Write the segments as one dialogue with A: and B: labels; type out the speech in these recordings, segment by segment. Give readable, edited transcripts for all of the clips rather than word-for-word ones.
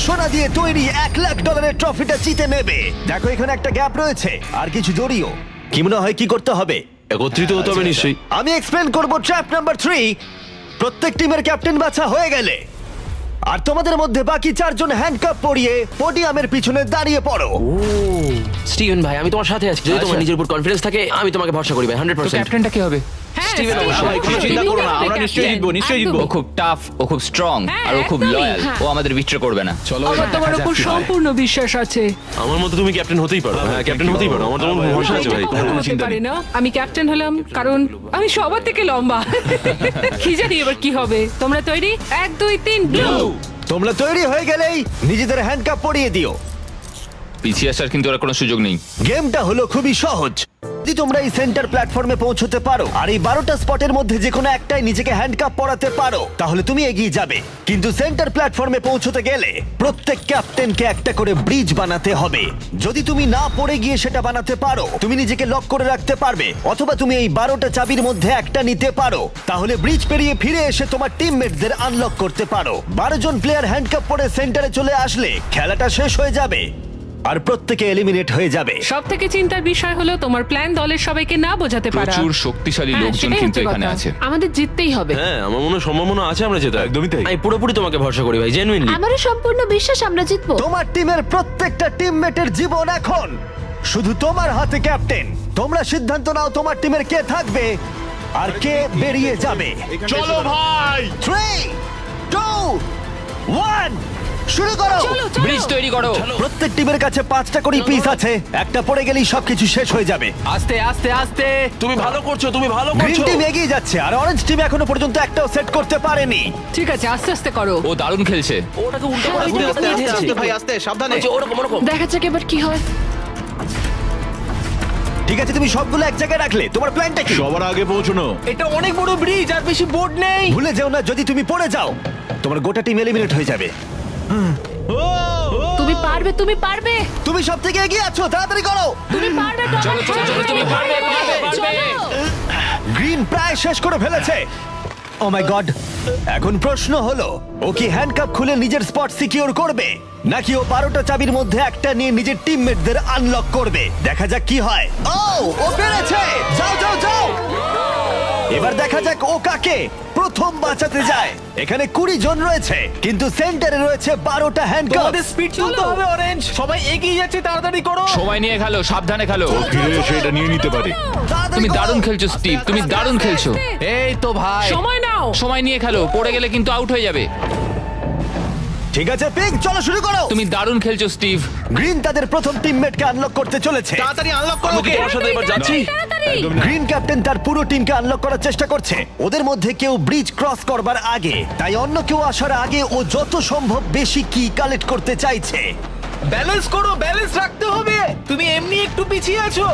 A: সোনা দিয়ে তৈরি $1,00,000 ট্রফিটা জিতে নেবে। দেখো এখানে একটা গ্যাপ রয়েছে আর কিছু জড়িও। কি মনে হয় কি করতে হবে?
B: একত্রিত হতে হবে নিশ্চয়ই।
A: আমি এক্সপ্লেন করব ট্র্যাপ নাম্বার 3। প্রত্যেক টিমের ক্যাপ্টেন বাছা হয়ে গেলে আর তোমাদের মধ্যে বাকি 4 জন হ্যান্ডকাপ পরিয়ে পোডিয়ামের পিছনে দাঁড়িয়ে পড়ো।
C: স্টিভেন ভাই আমি তোমার সাথে আছি, যদি তোমার নিজের উপর কনফিডেন্স থাকে আমি তোমাকে ভরসা করি ভাই 100%।
D: ক্যাপ্টেনটা কি হবে?
C: স্টিভেন অবশ্যই।
D: ভাই, কোনো চিন্তা করো না, আমরা নিশ্চয়ই জিতবো, নিশ্চয়ই জিতবো।
E: ও খুব টাফ, ও খুব স্ট্রং, আর ও খুব লয়াল। ও আমাদের বিট্রে করবে না।
D: চলো
F: আমার তোমার উপর সম্পূর্ণ বিশ্বাস আছে।
B: আমার মতো তুমি ক্যাপ্টেন হতেই পারো। হ্যাঁ ক্যাপ্টেন হতেই পারো, আমার তোমার ভরসা আছে ভাই।
F: এটা কখনো হতে পারে না। আমি ক্যাপ্টেন হলাম কারণ আমি সবার থেকে লম্বা। কি জানি এবার কি হবে। তোমরা তৈরি? 1 2 3 ব্লু।
A: তোমরা তৈরি হয়ে গেলেই নিজেদের হ্যান্ডকাপ পরিয়ে দিও।
E: পিছিয়ে আসার কিন্তু আর কোনো সুযোগ নেই।
A: গেমটা হলো খুবই সহজ। যদি তোমরা এই সেন্টার প্ল্যাটফর্মে পৌঁছতে পারো আর এই 12টা স্পটের মধ্যে যে কোনো একটাই নিজেকে হ্যান্ডকাপ পরাতে পারো তাহলে তুমি এগিয়ে যাবে। কিন্তু সেন্টার প্ল্যাটফর্মে পৌঁছতে গেলে প্রত্যেক ক্যাপ্টেনকে একটা করে ব্রিজ বানাতে হবে। যদি তুমি না পড়ে গিয়ে সেটা বানাতে পারো তুমি নিজেকে লক করে রাখতে পারবে, অথবা তুমি এই 12টা চাবির মধ্যে একটা নিতে পারো। তাহলে ব্রিজ পেরিয়ে ফিরে এসে তোমার টিমমেটদের আনলক করতে পারো। 12 জন প্লেয়ার হ্যান্ডকাপ পরে সেন্টারে চলে আসলে খেলাটা শেষ হয়ে যাবে আর প্রত্যেকে এলিমিনেট হয়ে যাবে।
F: সব থেকে চিন্তার বিষয় হলো তোমার প্ল্যান দলের সবাইকে না বোঝাতে পারা।
E: প্রচুর শক্তিশালী
F: হ্যাঁ,
E: লোকজন
F: সেটাই
E: কিন্তু
F: হচ্ছে
E: এখানে
F: কথা।
E: আছে।
F: আমাদের জিততেই হবে।
B: হ্যাঁ আমার মনে হয় সম্ভাবনা আছে আমরা যেতে। একদমই তাই।
C: আমি পুরোপুরি তোমাকে ভরসা করি ভাই, জেনুইনলি।
G: আমারও সম্পূর্ণ বিশ্বাস আমরা জিতবো।
A: তোমার টিমের প্রত্যেকটা টিমমেটের জীবন এখন শুধু তোমার হাতে ক্যাপ্টেন। তোমরা সিদ্ধান্ত নাও তোমার টিমের কে থাকবে আর কে বেরিয়ে যাবে।
B: চলো ভাই।
A: 3 2 1 শুরু করো।
F: চলো চলো।
E: ব্রিজ তৈরি করো।
A: প্রত্যেক টিমের কাছে 5টা করে পিস আছে। একটা পড়ে গেলেই সবকিছু শেষ হয়ে যাবে।
D: আস্তে আস্তে আস্তে।
B: তুমি ভালো করছো, তুমি ভালো
A: গ্রিন
B: করছো।
A: টিম এগিয়ে যাচ্ছে আর অরেঞ্জ টিম এখনো পর্যন্ত একটাও সেট করতে পারেনি।
F: ঠিক আছে আস্তে আস্তে করো।
E: ও দারুণ খেলছে।
C: ওটাকে উল্টো করে
F: হ্যাঁ,
C: ঘুরে
F: আস্তে, আস্তে, আস্তে,
C: ভাই আস্তে সাবধানে। ওরকম ওরকম।
G: দেখা যাক এবার কি হয়।
A: ঠিক আছে তুমি সবগুলো এক জায়গায় রাখলে। তোমার প্ল্যানটা কি?
B: সবার আগে পৌঁছানো।
D: এটা অনেক বড় ব্রিজ আর বেশি বোর্ড নেই।
A: ভুলে যেও না যদি তুমি পড়ে যাও তোমার গোটা টিম এলিমিনেট হয়ে যাবে।
G: তুমি পারবে, তুমি পারবে,
A: তুমি সব থেকে এগিয়ে আছো, তাড়াতাড়ি করো।
G: তুমি পারবে।
E: চলো চলো চলো, তুমি পারবে পারবে পারবে।
A: গ্রিন প্রায় শেষ করে ফেলেছে। Oh my God. এখন প্রশ্ন হলো ও কি হ্যান্ডকাপ খুলে নিজের স্পট সিকিউর করবে নাকি ও 12টা চাবির মধ্যে একটা নিয়ে নিজের টিমমেটদের আনলক করবে। দেখা যাক কি হয়। ও পেরেছে। যাও যাও যাও। এবার দেখা যাক ও কাকে প্রথম বাঁচাতে যায়। এখানে 20 জন রয়েছে কিন্তু সেন্টারে রয়েছে 12টা হ্যান্ডকাপ।
D: তোমাদের স্পিড তুলতে হবে অরেঞ্জ। সবাই এগিয়ে যাচ্ছে, তাড়াতাড়ি করো।
E: সময় নিয়ে খেলো, সাবধানে খেলো।
B: ফিরে এসে এটা নিয়ে নিতে পারে।
E: তুমি দারুণ খেলছো স্টিভ, তুমি দারুণ খেলছো।
D: এই তো ভাই।
F: সময় নাও।
E: সময় নিয়ে খেলো, পড়ে গেলে কিন্তু আউট হয়ে যাবে।
A: ঠিক আছে পিঙ্ক, চলো শুরু করো।
E: তুমি দারুণ খেলছো স্টিভ।
A: গ্রিন তাদের প্রথম টিমমেটকে আনলক করতে চলেছে।
D: তাড়াতাড়ি আনলক করো।
B: আমি কি তোমার সাথে এবার যাচ্ছি?
A: গ্রিন ক্যাপ্টেন তার পুরো টিমকে আনলক করার চেষ্টা করছে। ওদের মধ্যে কেউ ব্রিজ ক্রস করবার আগে, তাই অন্য কেউ আসার আগে ও যত সম্ভব বেশি কি কালেক্ট করতে চাইছে।
D: ব্যালেন্স করো, ব্যালেন্স রাখতে হবে। তুমি এমনি একটু পিছিয়ে আছো।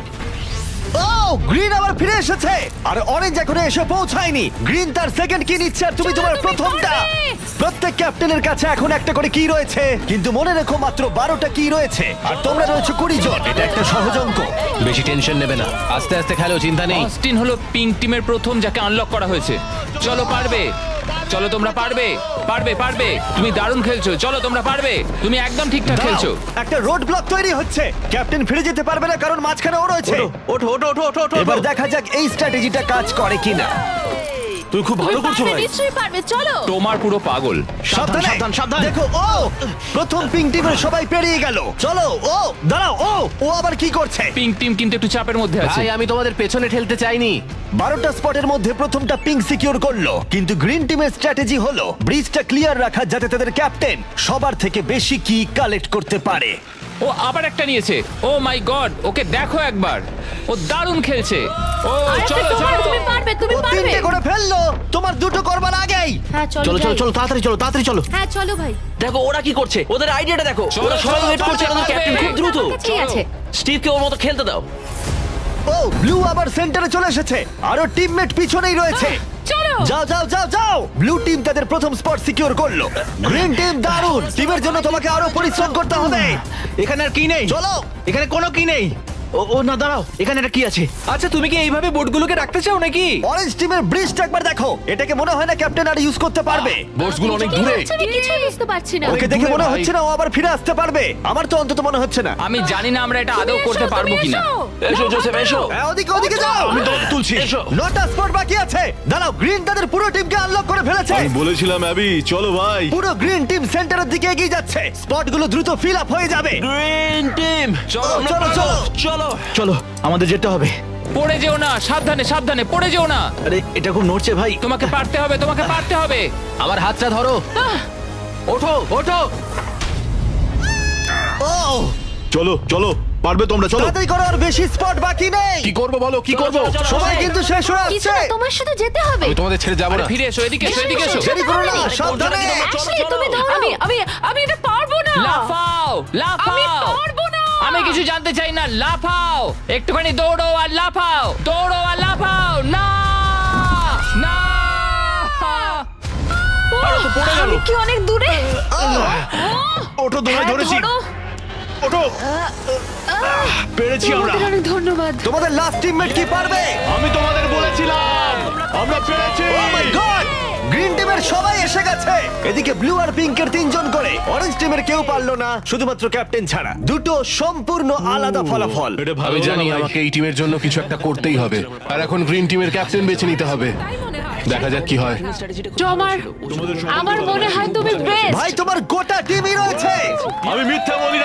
A: ও গ্রিন আবার ফিরে এসেছে আর অরেঞ্জ এখনো এসে পৌঁছায়নি। গ্রিন তার সেকেন্ড কি নিচ্ছে আর তুমি তোমার প্রথমটা। প্রত্যেক ক্যাপ্টেনের কাছে এখন একটা করে কি রয়েছে, কিন্তু মনে রেখো মাত্র 12টা কি রয়েছে আর তোমরা রয়েছে 20 জন। এটা একটা সহজ অঙ্ক।
C: বেশি টেনশন নেবে না, আস্তে আস্তে খেলো, চিন্তা নেই।
E: অস্টিন হলো পিঙ্ক টিমের প্রথম যাকে আনলক করা হয়েছে। চলো পারবে, চলো তোমরা পারবে পারবে পারবে। তুমি দারুণ খেলছো, চলো তোমরা পারবে। তুমি একদম ঠিকঠাক খেলছো।
A: দাঁড়াও, একটা রোড ব্লক তৈরি হচ্ছে। ক্যাপ্টেন ফিরে যেতে পারবে না কারণ মাঝখানে ও রয়েছে।
D: ওঠো ওঠো ওঠো ওঠো ওঠো।
A: এবার দেখা যাক এই স্ট্র্যাটেজিটা কাজ করে কিনা।
B: তুমি খুব ভালো করছো
G: পারবে,
B: ভাই।
G: নিশ্চয়ই পারবে, চলো।
E: তোমার পুরো পাগল।
A: সাবধানে,
C: সাবধান, সাবধান।
A: দেখো ও প্রথম পিঙ্ক টিমের সবাই পেরিয়ে গেল। চলো ও দাঁড়াও, ও আবার কি করছে?
E: পিঙ্ক টিম কিন্তু একটু চাপের মধ্যে আছে।
C: ভাই আমি তোমাদের পেছনে ঠেলতে চাইনি।
A: 12টা স্পটের মধ্যে প্রথমটা পিঙ্ক সিকিউর করলো, কিন্তু গ্রিন টিমের স্ট্র্যাটেজি হলো ব্রিজটা ক্লিয়ার রাখা যাতে তাদের ক্যাপ্টেন সবার থেকে বেশি কি কালেক্ট করতে পারে।
E: ও আবার একটা নিয়েছে। ও মাই গড, ওকে দেখো একবার, ও দারুণ খেলছে। ও
G: আরেকটা
E: চলো
G: তোমার,
E: চলো।
G: তুমি পারবে, তুমি
A: ও
G: পারবে।
A: 3টে করে ফেললো, তোমার 2টো করবার আগেই।
G: হ্যাঁ চলো
C: চলো চলো
G: যাই।
C: চলো, তাড়াতাড়ি চলো, তাড়াতাড়ি চলো।
G: হ্যাঁ চলো ভাই।
C: দেখো ওরা কি করছে, ওদের আইডিয়াটা দেখো।
E: চলো,
C: ওরা সবাই
E: চলো,
C: ওয়েট করছে,
E: পারবে,
C: আমাদের ক্যাপ্টেন
E: পারবে।
C: খুব দ্রুত।
G: আমার কাছেই আছে।
C: স্টিভকে ওর মতো খেলতে দাও।
A: ও ব্লু আবার সেন্টারে চলে এসেছে, আরো টিমমেট পিছনেই রয়েছে।
F: চলো।
A: যাও যাও যাও যাও। ব্লু টিম তাদের প্রথম স্পট সিকিউর করলো। গ্রিন টিম দারুণ। টিমের জন্য তোমাকে আরো পরিশ্রম করতে হবে।
D: এখানে আর কি নেই।
A: চলো।
D: এখানে কোনো কি নেই। ও না দাঁড়াও, এখানে এটা কি আছে? আচ্ছা তুমি কি এইভাবে বোটগুলোকে রাখতে চাও নাকি?
A: অরেঞ্জ টিমের ব্রিজটা একবার দেখো। এটাকে মনে হয় না ক্যাপ্টেন আর ইউজ করতে পারবে।
B: বোটসগুলো অনেক দূরে।
G: আমি কিছুই বুঝতে পারছি না।
A: ওকে দেখে মনে হচ্ছে না ও আবার ফিরে আসতে পারবে। আমার তো অন্তত মনে হচ্ছে না।
E: আমি জানি না আমরা এটা আদৌ করতে পারবো কিনা।
C: এসো জোসেফ এসো।
A: হ্যাঁ, ওদিকে ওদিকে যাও।
B: আমি দৌড় তুলছি।
C: এসো।
A: 9টা স্পট বাকি আছে। দাঁড়াও, গ্রিন তাদের পুরো টিমকে আনলক করে ফেলেছে।
B: আমি বলেছিলাম অ্যাবি, চলো ভাই।
A: পুরো গ্রিন টিম সেন্টারের দিকে এগিয়ে যাচ্ছে। স্পটগুলো দ্রুত ফিল আপ হয়ে যাবে।
C: গ্রিন টিম
E: চলো
A: চলো চলো।
C: চলো।
D: চলো আমাদের যেতে হবে।
E: পড়ে যেও না, সাবধানে সাবধানে পড়ে যেও না।
D: আরে এটা খুব নড়ছে ভাই।
E: তোমাকে পারতে হবে, তোমাকে পারতে হবে।
D: আমার হাতটা ধরো। ওঠো ওঠো।
A: ও,
B: চলো চলো, পারবে তোমরা, চলো।
A: তাড়াতাড়ি করো, আর বেশি স্পট বাকি নেই।
B: কি করবো বলো, কি করবো?
A: সময় কিন্তু শেষ হয়ে
G: কিছু
A: আসছে।
G: না, তোমার সাথে যেতে হবে।
B: আমি তোমাদের ছেড়ে যাবো
E: আরে
B: না।
E: ফিরে এসো, এদিকে এসো, এদিকে এসো।
A: দেরি করো না, সাবধানে।
G: অ্যাশলি, তুমি ধরো।
F: আমি এটা পারবো না।
E: লাফাও
F: আমি
E: লাফাও।
F: পারবো না।
E: আমি কিছু জানতে চাই না, লাফাও। একটুখানি দৌড়ো আর লাফাও, দৌড়ো আর লাফাও। না না।
G: আমি কি অনেক দূরে?
B: ওঠো, তোমায়
G: হ্যাঁ,
B: ধরেছি।
G: ধরো।
B: ওঠো। পেরেছি আমরা।
G: তোমাদের অনেক ধন্যবাদ।
A: তোমাদের লাস্ট টিমমেট কি পারবে?
B: আমি তোমাদের বলেছিলাম, আমরা পেরেছি।
A: ও মাই গড! গ্রিন টিমের সবাই এসে গেছে। এদিকে ব্লু আর পিঙ্কের 3 জন করে। অরেঞ্জ টিমের কেউ পারলো না, শুধুমাত্র ক্যাপ্টেন ছাড়া। দুটো সম্পূর্ণ আলাদা ফলাফল।
B: এটা ভালো
H: আমি জানি
B: হলো ভাই।
H: আমাকে এই টিমের জন্য কিছু একটা করতেই হবে, আর এখন গ্রিন টিমের ক্যাপ্টেন বেছে নিতে হবে। দেখা যাক কি হয়।
G: আমার মনে হয় তুমি বেস্ট।
A: ভাই, তোমার গোটা টিমই রয়েছে।
B: আমি মিথ্যা বলি